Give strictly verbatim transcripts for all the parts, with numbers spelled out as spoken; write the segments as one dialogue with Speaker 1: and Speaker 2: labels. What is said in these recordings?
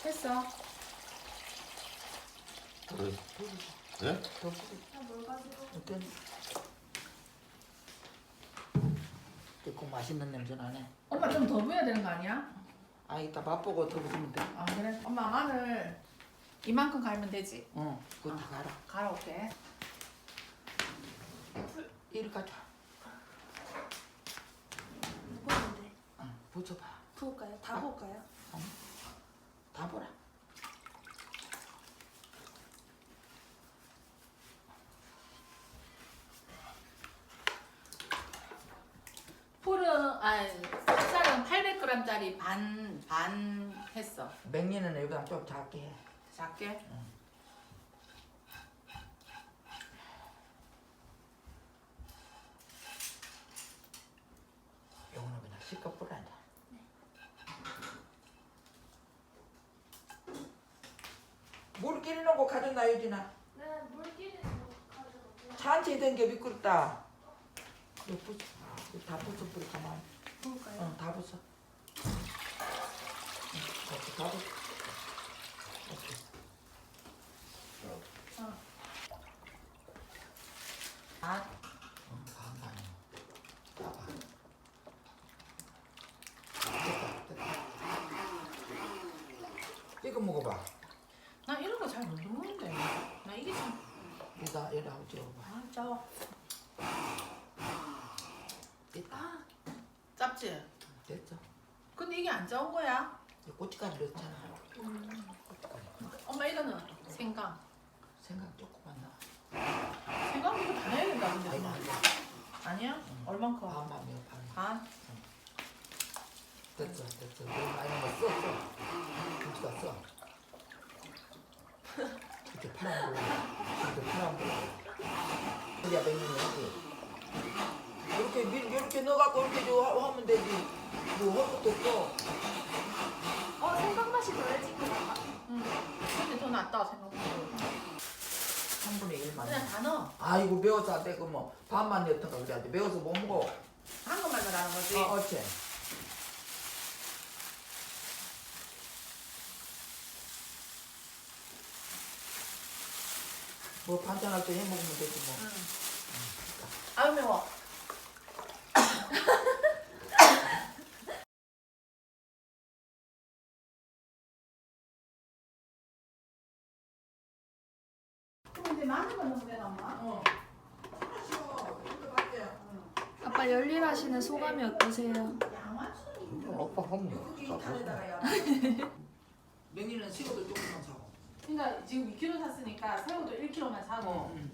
Speaker 1: 했어.
Speaker 2: 네?
Speaker 3: 더
Speaker 1: 뭘 가지고?
Speaker 3: 어떤 듣고 맛있는 냄새 나네.
Speaker 1: 엄마 좀 더 부어야 되는 거 아니야?
Speaker 3: 아 이따 맛보고 더 부으면 돼.
Speaker 1: 아 그래? 엄마 마늘 이만큼 갈면 되지?
Speaker 3: 응, 그거 다 갈아.
Speaker 1: 갈아 올게.
Speaker 3: 이리 가져.
Speaker 4: 부었는데
Speaker 3: 응, 부쳐봐.
Speaker 4: 부을까요? 다 부을까요?
Speaker 3: 응. 다 보라.
Speaker 1: 풀은 아니 쌀은 팔백 그램짜리 반 반 했어.
Speaker 3: 맹이는 여기다 좀 작게 해.
Speaker 1: 작게?
Speaker 3: 요거는 그냥 실컷 뿌려야 돼. 물기리 놓고 가졌나 유진아?
Speaker 4: 네, 물기는 가져가고요.
Speaker 3: 잔치 된 게 미끄럽다. 이거 부숴. 이거 다 부숴 뿌리 가만.
Speaker 4: 부을까요?
Speaker 3: 응, 다 부숴. 응, 이렇게 다 부숴. 이렇게.
Speaker 1: 어. 아,
Speaker 3: 응, 반 반이야. 봐봐. 됐다, 됐다. 이거 먹어봐.
Speaker 1: 나 이런 거 잘 못 먹는데. 나 이게 참.
Speaker 3: 여기다 여기다 한번 찍어봐.
Speaker 1: 아, 짜워.
Speaker 3: 됐다.
Speaker 1: 아, 짭지?
Speaker 3: 됐어.
Speaker 1: 근데 이게 안 짜온 거야?
Speaker 3: 이거 고춧가루 넣었잖아.
Speaker 4: 음.
Speaker 3: 고춧가루.
Speaker 1: 엄마 이거는 생강.
Speaker 3: 생각 조금만 넣어.
Speaker 1: 생강 이거 다 해야 된다 근데.
Speaker 3: 아이고,
Speaker 1: 엄마.
Speaker 3: 아이고.
Speaker 1: 아니야?
Speaker 3: 응.
Speaker 1: 얼만큼?
Speaker 3: 반만 넣어, 반.
Speaker 1: 반?
Speaker 3: 됐어, 됐어. 너무 많이 넣어. 써, 써. 고춧가루 써. 이렇게 파란 불. 이렇게 파란 불. 여기야, 맹이는 여기. 이렇게 밀 이렇게 넣어갖고 이렇게 저 하- 하면 되지. 뭐 할 것도 없어.
Speaker 4: 어, 생강 맛이 덜해진 것 같아.
Speaker 1: 응. 근데 더 낫다 생각보다.
Speaker 3: 삼분의 일만.
Speaker 1: 그냥 다 넣어.
Speaker 3: 아이고 매워서 안 돼. 그 뭐 반만 넣던가 그래야 돼. 매워서 못 먹어.
Speaker 1: 한 것만 넣으라는 거지.
Speaker 3: 어, 어째. 뭐 반찬할 때 해 먹으면 되지 뭐.
Speaker 1: 응. 아유 매워. 근데 마늘만 넣으면 되나 엄마?
Speaker 3: 어.
Speaker 4: 아빠 열일하시는 소감이 어떠세요?
Speaker 1: 양화추는
Speaker 2: 아빠 하면
Speaker 3: 여기
Speaker 2: 다
Speaker 3: 탄에다가 맹이는 새우도 조금만 사고.
Speaker 1: 그러니까 지금 이 킬로그램 샀으니까 새우도 일 킬로그램만 사고.
Speaker 3: 응.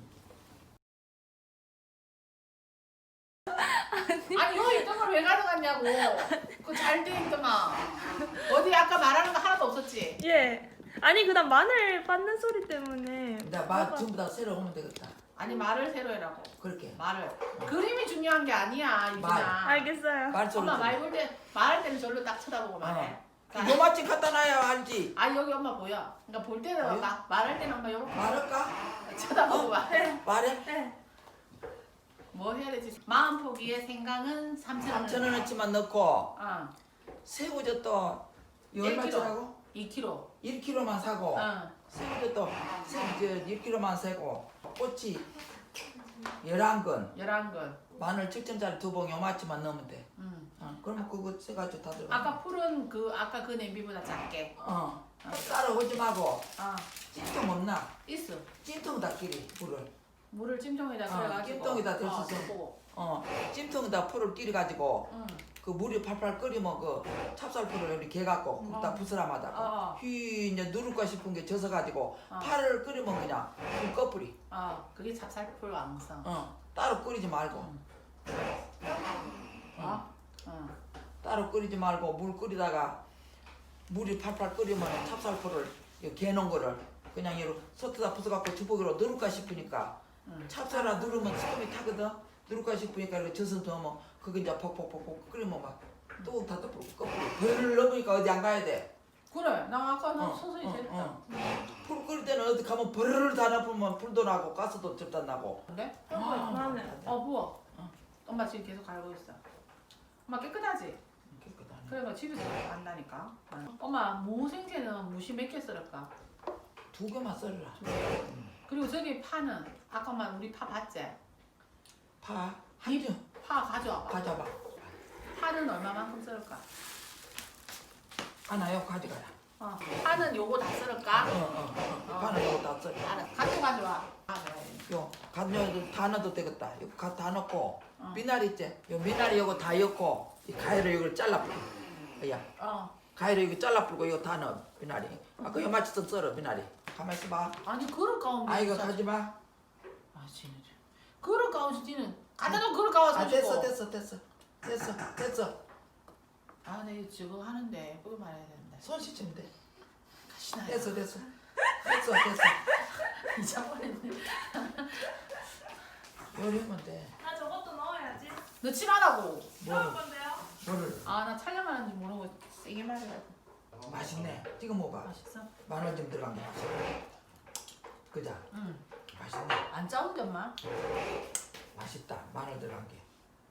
Speaker 1: 아니 여기 있던 걸 왜 가져갔냐고. 그거 잘 돼 있더만. 어디 아까 말하는 거 하나도 없었지?
Speaker 4: 예. 아니 그다음 마늘 빻는 소리 때문에.
Speaker 3: 나맛 전부 다 새로 오면 되겠다.
Speaker 1: 아니 말을 새로 해라고.
Speaker 3: 그렇게.
Speaker 1: 말을. 그림이 중요한 게 아니야
Speaker 3: 말.
Speaker 1: 유진아.
Speaker 4: 알겠어요.
Speaker 3: 말 소리.
Speaker 1: 엄마 말 볼 때 말할 때는 절로 딱 쳐다보고 말해.
Speaker 3: 어. 요마침 갖다 놔야 알지.
Speaker 1: 아 여기 엄마 보여. 그러니까 볼 때는
Speaker 3: 보여?
Speaker 1: 막 말할 때는 엄마 이렇게
Speaker 3: 말할까?
Speaker 1: 쳐다보고
Speaker 3: 어?
Speaker 1: 말해.
Speaker 3: 말해.
Speaker 4: 네.
Speaker 1: 뭐 해야 되지? 마음 포기에 생강은 삼천 원.
Speaker 3: 삼천 원어치만 넣고
Speaker 1: 어.
Speaker 3: 새우젓도
Speaker 1: 일
Speaker 3: 얼마짜리라고?
Speaker 1: 이 킬로그램.
Speaker 3: 일 킬로그램만 사고
Speaker 1: 어.
Speaker 3: 새우젓도 일 킬로그램만 사고 꼬치 열한 건
Speaker 1: 열한 건.
Speaker 3: 마늘 칠 점짜리 두 봉 요마치만 넣으면 돼.
Speaker 1: 음.
Speaker 3: 어, 그러면 그거 세가지고 다 들어가.
Speaker 1: 아까 풀은 그 아까 그 냄비보다 작게.
Speaker 3: 어. 따로 오지 말고
Speaker 1: 아
Speaker 3: 찜통 없나?
Speaker 1: 있어.
Speaker 3: 찜통에다 끼리 물을.
Speaker 1: 물을 찜통에다
Speaker 3: 어,
Speaker 1: 그래가지고.
Speaker 3: 찜통에다 댈 수
Speaker 1: 어,
Speaker 3: 있어.
Speaker 1: 넣고.
Speaker 3: 어. 찜통에다 풀을 끼리 가지고
Speaker 1: 응.
Speaker 3: 그 물이 팔팔 끓이면 그 찹쌀풀을 이렇게 개갖고 거기다
Speaker 1: 어.
Speaker 3: 부스럼하다가
Speaker 1: 어.
Speaker 3: 휘 이제 누를까 싶은 게 젖어 가지고
Speaker 1: 어.
Speaker 3: 파를 끓이면 그냥 물 꺼뿌리.
Speaker 1: 어. 그게 찹쌀풀 왕성.
Speaker 3: 어. 따로 끓이지 말고.
Speaker 1: 어? 어.
Speaker 3: 따로 끓이지 말고 물 끓이다가 물이 팔팔 끓이면 찹쌀풀을 개놓은 거를 그냥 이렇게 솥에다 부숴갖고 주걱으로 누를까 싶으니까
Speaker 1: 응.
Speaker 3: 찹쌀아 누르면 소금이 타거든. 누를까 싶으니까 이렇게 젖어 넣으면 그거 이제 퍽퍽퍽퍽 끓이면 막또 다 덮고 꺼뿌리. 별을 넣으니까 어디 안 가야 돼.
Speaker 1: 그래. 나 아까 나
Speaker 3: 어,
Speaker 1: 서서히
Speaker 3: 어,
Speaker 1: 됐다.
Speaker 3: 어. 불 끓일 때는 어디 가면 버르르 다 나쁘면 불도 나고 가스도 절단 나고.
Speaker 1: 그래?
Speaker 3: 아,
Speaker 4: 마늘.
Speaker 1: 어 부어.
Speaker 3: 어.
Speaker 1: 엄마 지금 계속 갈고 있어. 엄마 깨끗하지?
Speaker 3: 깨끗하네.
Speaker 1: 그래가 집에서 한다니까. 엄마 무생채는 무시 몇 개 썰을까?
Speaker 3: 두 개만 썰어라.
Speaker 1: 그리고 저기 파는 아까 말 우리 파 봤지?
Speaker 3: 파 한 점
Speaker 1: 파 가져와봐.
Speaker 3: 가져봐.
Speaker 1: 파는 얼마만큼 썰을까?
Speaker 3: 하나요 가져가라.
Speaker 1: 어. 파는 요거 다 썰을까?
Speaker 3: 어어 어. 파는 요거 다 썰어.
Speaker 1: 알았어. 가져 가져와. 가져와야 돼.
Speaker 3: 요 가져도 다 넣어도 되겠다. 이거 가- 다 넣고
Speaker 1: 어.
Speaker 3: 미나리 있지? 요 미나리 요거 다 넣고 이 가위로 이걸 잘라 뿌려. 야
Speaker 1: 어.
Speaker 3: 가위로 이거 잘라 뿌리고 이거 다 넣어 미나리. 아까 요 맞춰서 썰어 미나리. 가만 있어봐.
Speaker 1: 아니 그릇 가운데.
Speaker 3: 아 이거
Speaker 1: 있어.
Speaker 3: 가지 마.
Speaker 1: 아 쟤는 그릇 가운데 쟤는 갖다 놓은 그릇 가와
Speaker 3: 아
Speaker 1: 서
Speaker 3: 됐어 됐어 됐어 됐어 됐어.
Speaker 1: 아, 내 저거 하는데 그거 말해야 된다.
Speaker 3: 손 씻으면 돼.
Speaker 1: 가시나.
Speaker 3: 됐어 됐어 됐어 됐어.
Speaker 1: 잊어버렸네.
Speaker 3: 요리하면 돼.
Speaker 4: 나 저것도 넣어야지.
Speaker 1: 넣지 말라고.
Speaker 4: 넣을
Speaker 3: 뭐
Speaker 4: 건데요.
Speaker 3: 뭐를
Speaker 1: 아, 나 촬영하는지 모르고 세게 말해가지고.
Speaker 3: 맛있네. 지금 먹어봐.
Speaker 1: 맛있어?
Speaker 3: 마늘 좀 들어간 게 맛있어. 그자
Speaker 1: 응.
Speaker 3: 맛있네.
Speaker 1: 안 짜운데 엄마?
Speaker 3: 맛있다. 마늘 들어간 게.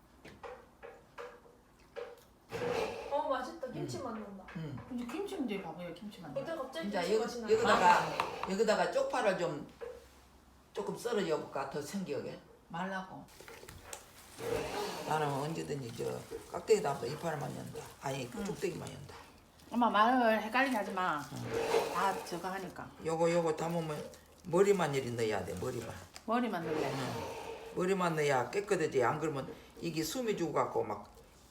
Speaker 4: 어 맛있다. 김치 맛 난다.
Speaker 3: 응.
Speaker 1: 근데 김치는 이제 봐봐요 김치만.
Speaker 4: 그때 갑자기
Speaker 3: 이제
Speaker 4: 김치
Speaker 3: 여기
Speaker 4: 맛이 나.
Speaker 3: 여기다가 여기다가 쪽파를 좀 조금 썰어 줘볼까 더 생기게.
Speaker 1: 말라고.
Speaker 3: 나는 언제든지 저 깍대기 담아서 이파를만 연다. 아니 그 쪽대기만 연다.
Speaker 1: 엄마 말을 헷갈리게 하지 마. 다 저거 하니까.
Speaker 3: 요거 요거 담으면 머리만 이리 넣어야 돼. 머리만.
Speaker 1: 머리만 넣을래.
Speaker 3: 머리만 넣어야 깨끗하지. 안 그러면 이게 숨이 죽어갖고 막.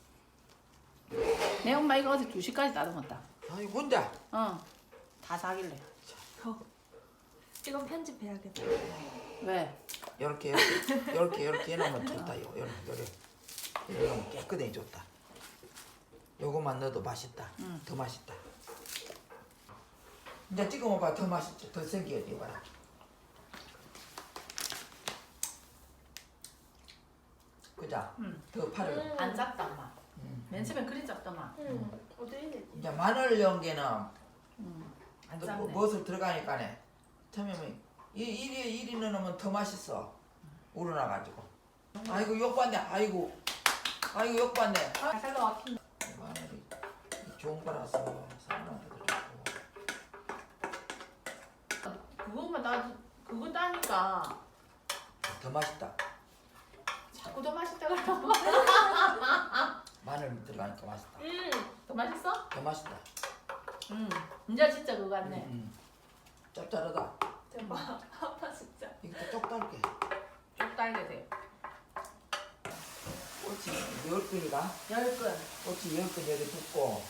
Speaker 1: 내 엄마 이거 어제 두 시까지 따듬었다.
Speaker 3: 아이 혼자.
Speaker 1: 어. 다 사길래.
Speaker 4: 이건 편집해야겠다.
Speaker 1: 왜?
Speaker 3: 요렇게 요렇게 요렇게 요렇게 해놓으면 좋다. 요 요렇게 요렇게 이러면 깨끗해 좋다. 요거만 넣어도 맛있다.
Speaker 1: 응.
Speaker 3: 더 맛있다. 이제 찍어 먹어봐. 더 맛있지. 더 생기지. 이거라. 그자.
Speaker 1: 응.
Speaker 3: 더 파를.
Speaker 1: 안 짭다 엄마.
Speaker 3: 음.
Speaker 1: 맨 처음엔 그리 짭더만.
Speaker 4: 응. 어디 있지?
Speaker 3: 이제 마늘 연계는
Speaker 1: 응. 안
Speaker 3: 또
Speaker 1: 짭네.
Speaker 3: 뭐- 무엇을 들어가니까네. 처음에 이 이리 이리 넣으면 더 맛있어. 우러나가지고. 아이고 욕봤네. 아이고. 아이고 욕봤네.
Speaker 1: 아, 살도 막힌다.
Speaker 3: 마늘이 좋은 거라서 사람한테도 좋고.
Speaker 1: 그거만 나 그거 따니까
Speaker 3: 더 맛있다.
Speaker 1: 자꾸 더 맛있다 그래.
Speaker 3: 마늘 들어가니까 맛있다.
Speaker 4: 응.
Speaker 1: 더 맛있어?
Speaker 3: 더 맛있다.
Speaker 1: 응. 이제 진짜 그거 같네.
Speaker 3: 음. 짭짤하다.
Speaker 4: 대박. 아빠 진짜.
Speaker 3: 이거 쪽 달게.
Speaker 1: 쭉 달게 돼.
Speaker 3: 꽃이 열 근이가
Speaker 1: 열 근.
Speaker 3: 꽃이 열 근 여기 붓고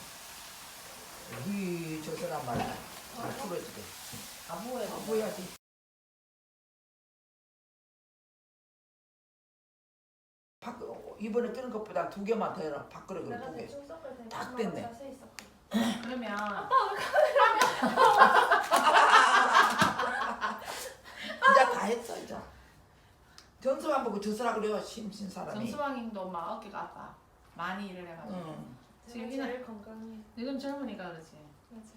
Speaker 3: 이 저서란 말이야. 다 풀어지게.
Speaker 1: 아부에
Speaker 3: 아, 보여야지. 밥 이번에 끓는 것보다 두 개만 더 해라. 밥그릇 두
Speaker 4: 내가
Speaker 3: 개.
Speaker 4: 대충 섞을 때
Speaker 3: 딱
Speaker 4: 엄마가
Speaker 3: 됐네.
Speaker 4: 자세히 섞어.
Speaker 1: 그러면
Speaker 3: 이제 다 했어 이제. 정수만 보고 저서라 그래요. 심신 사람이.
Speaker 1: 정수왕님도 막 어깨가 아파. 많이 일을 해가지고.
Speaker 3: 응.
Speaker 1: 지금
Speaker 4: 제가
Speaker 1: 이나-
Speaker 4: 제일 건강해.
Speaker 1: 지금 젊으니까 그렇지.
Speaker 4: 맞아.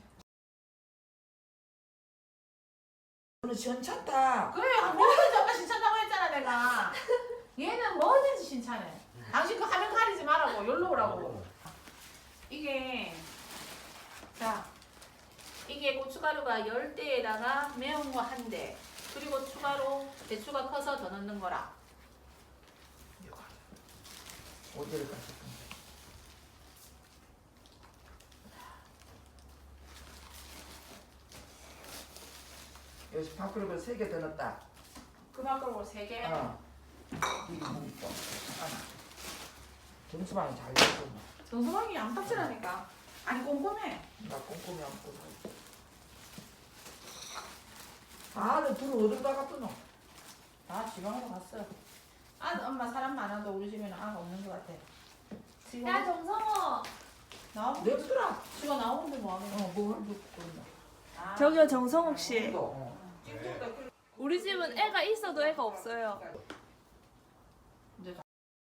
Speaker 3: 오늘 시원찮다.
Speaker 1: 그래 뭐든지 엄마 신청하고 했잖아 내가. 얘는 뭐든지 신청해. 당신 그 화면 가리지 말라고 열로 오라고. 이게 자 이게 고춧가루가 열 대에다가 매운 거 한 대. 그리고 추가로 배추가 커서 더 넣는 거라.
Speaker 3: 어디를 갔을 건데. 여기서 밥그릇을 세 개 더 넣었다.
Speaker 1: 그 밖으로 세 개.
Speaker 3: 어. 이거 먹고. 정수방이 잘 됐어.
Speaker 1: 정수왕이 양탁질하니까. 아니 꼼꼼해.
Speaker 3: 나 꼼꼼히 안 보고. 아, 너 둘은 어디로 나갔어 너?
Speaker 1: 다 지방으로 갔어. 아 엄마 사람 많아도 우리 집에는 아가 없는 것 같아. 지금
Speaker 4: 야 정성호.
Speaker 1: 나오고
Speaker 3: 냅두라.
Speaker 1: 지가 나오는데 뭐 하겠어?
Speaker 3: 어, 뭘 듣고 있나?
Speaker 1: 아,
Speaker 4: 저기요 정성욱 씨.
Speaker 3: 이거, 어.
Speaker 4: 우리 집은 애가 있어도 애가 없어요.
Speaker 1: 이제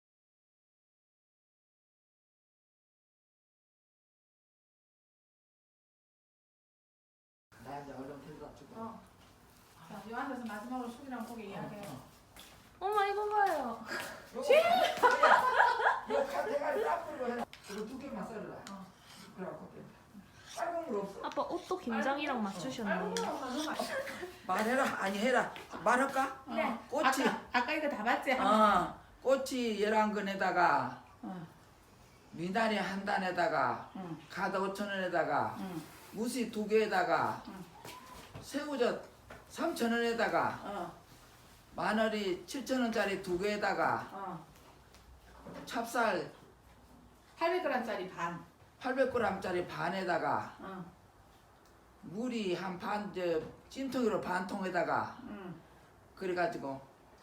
Speaker 3: 나 이제 얼른 데려다 주고.
Speaker 1: 어. 자, 이 앉아서 마지막으로 숙이랑 보기 이야기해요.
Speaker 4: 엄마 이거 봐요.
Speaker 3: 이거 칼 대가리 딱 뿌리고 해라. 이거 두 개만 썰어라.
Speaker 1: 어.
Speaker 3: 그래갖고 된다. 빨간 물 없어?
Speaker 4: 아빠 옷도 김장이랑 맞추셨네.
Speaker 3: 말해라. 아니 해라. 말할까?
Speaker 1: 네.
Speaker 3: 꽃이.
Speaker 1: 아까, 아까 이거 다 봤지?
Speaker 3: 어, 꽃이 열한 근에다가
Speaker 1: 어.
Speaker 3: 미나리 한 단에다가
Speaker 1: 응.
Speaker 3: 가다 오천 원에다가
Speaker 1: 응.
Speaker 3: 무시 두 개에다가
Speaker 1: 응.
Speaker 3: 새우젓 삼천 원에다가
Speaker 1: 어.
Speaker 3: 마늘이 칠천 원짜리 두 개에다가
Speaker 1: 어.
Speaker 3: 찹쌀
Speaker 1: 팔백 그램짜리 반.
Speaker 3: 팔백 그램짜리 반에다가
Speaker 1: 어.
Speaker 3: 물이 한 반, 저 찜통으로 반 통에다가
Speaker 1: 응.
Speaker 3: 그래가지고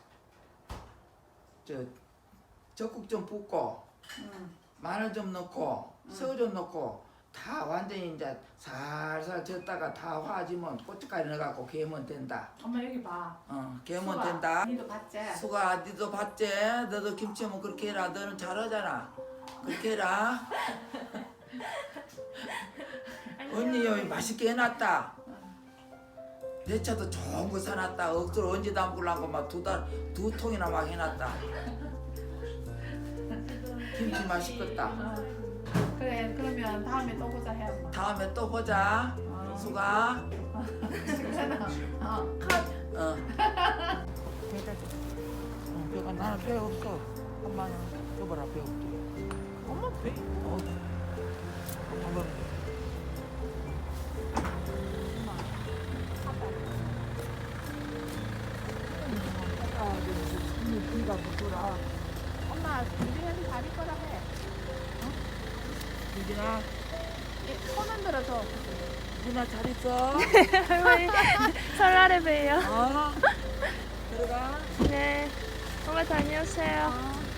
Speaker 3: 저 적국 좀 붓고
Speaker 1: 응.
Speaker 3: 마늘 좀 넣고 새우 좀 넣고 다 완전히 이제 살살 젓다가 다 화지면 고춧가루 넣어갖고 개면 된다.
Speaker 1: 엄마 여기 봐.
Speaker 3: 어, 개면
Speaker 1: 수아,
Speaker 3: 된다.
Speaker 1: 니도 봤지?
Speaker 3: 수가 니도 봤지? 너도 김치 하면 그렇게 해라. 너는 잘하잖아. 그렇게 해라. 언니 여기 맛있게 해놨다. 내 차도 좋은 거 사놨다. 억수로 언제 담글라고 막 두 달, 두 통이나 막 해놨다. 김치 맛있겠다.
Speaker 1: 어. 그래 그러면 다음에 또 보자 해 엄마.
Speaker 3: 다음에 또 보자.
Speaker 1: 어.
Speaker 3: 수가.
Speaker 1: 괜찮아. 어.
Speaker 3: 어. 어, 배가 나는 배 없어. 엄마는 여봐라 배 없지. 엄마 배? 어. 한번. 비가 붙더라.
Speaker 1: 엄마 준비해서 다리 거라 해.
Speaker 3: 유진아,
Speaker 1: 손 흔들어줘.
Speaker 3: 유진아 잘 있어.
Speaker 4: 할머니 설날에 봬요.
Speaker 3: 어. 들어가.
Speaker 4: 네. 엄마 다녀오세요.
Speaker 3: 어.